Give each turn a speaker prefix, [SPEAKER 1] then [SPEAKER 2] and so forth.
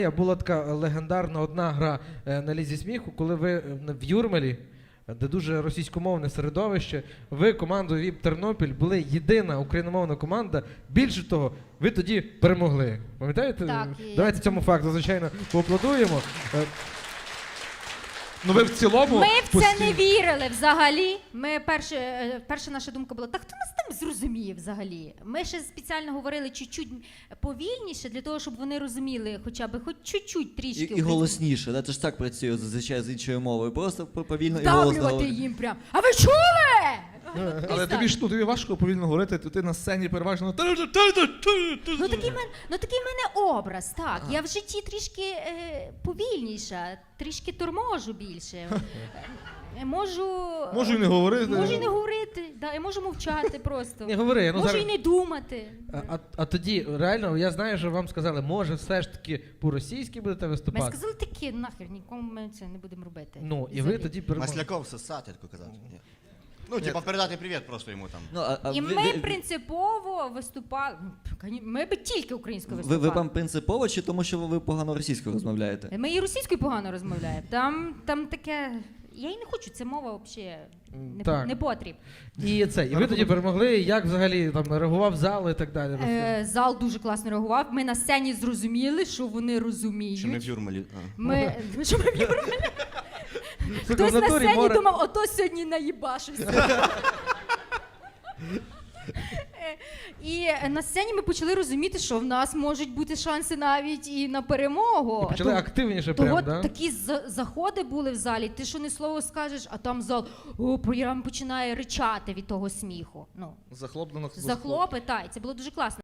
[SPEAKER 1] Була така легендарна одна гра на Лізі сміху, коли ви в Юрмалі, де дуже російськомовне середовище, ви командою ВІП Тернопіль були єдина україномовна команда. Більше того, ви тоді перемогли. Пам'ятаєте?
[SPEAKER 2] Так,
[SPEAKER 1] Давайте цьому факту, звичайно, поаплодуємо.
[SPEAKER 3] Ну ви в цілому...
[SPEAKER 2] Ми в це не вірили взагалі. Перша наша думка була, так хто нас там зрозуміє взагалі? Ми ще спеціально говорили чуть-чуть повільніше, для того, щоб вони розуміли хоча б хоч чуть-чуть трішки.
[SPEAKER 4] І голосніше, да? Це ж так працює зазвичай з іншою мовою. Просто повільно і голосно.
[SPEAKER 2] Вдавлювати їм прям. А ви чули?
[SPEAKER 3] Але тобі важко повільно говорити, то ти на сцені переважно...
[SPEAKER 2] Ну такий в мене образ, так. Я в житті трішки повільніша, трішки торможу більше.
[SPEAKER 3] Можу і не говорити.
[SPEAKER 2] Можу і не говорити, да, я можу мовчати просто.
[SPEAKER 1] Не говори,
[SPEAKER 2] можу і не думати.
[SPEAKER 1] А тоді, реально, я знаю, що вам сказали, може все ж таки по-російськи будете виступати?
[SPEAKER 2] Ми сказали таке, нахер, нікому ми це не будемо робити.
[SPEAKER 1] Ну, і ви тоді перемогли.
[SPEAKER 5] Масляков сосати, тако казав. Ну, типа передати привіт просто йому там.
[SPEAKER 4] Ну,
[SPEAKER 2] І ми принципово виступали, ми би тільки українською виступали.
[SPEAKER 4] Ви вам принципово чи тому, що ви погано російською розмовляєте?
[SPEAKER 2] Ми і російською погано розмовляємо. Там таке... Я і не хочу, це мова взагалі не потріб.
[SPEAKER 1] І ви тоді перемогли, як взагалі там реагував зал і так далі?
[SPEAKER 2] Зал дуже класно реагував. Ми на сцені зрозуміли, що вони розуміють.
[SPEAKER 5] Що ми в Юрмалі.
[SPEAKER 2] Що ми в Юрмалі? Хтось на сцені думав, ото сьогодні наїбашився. І на сцені ми почали розуміти, що в нас можуть бути шанси навіть і на перемогу.
[SPEAKER 1] І почали активніше прямо, да?
[SPEAKER 2] Такі заходи були в залі, ти що не слово скажеш, а там зал прямо починає ричати від того сміху.
[SPEAKER 3] Захлоплено.
[SPEAKER 2] Захлопи, так, це було дуже класно.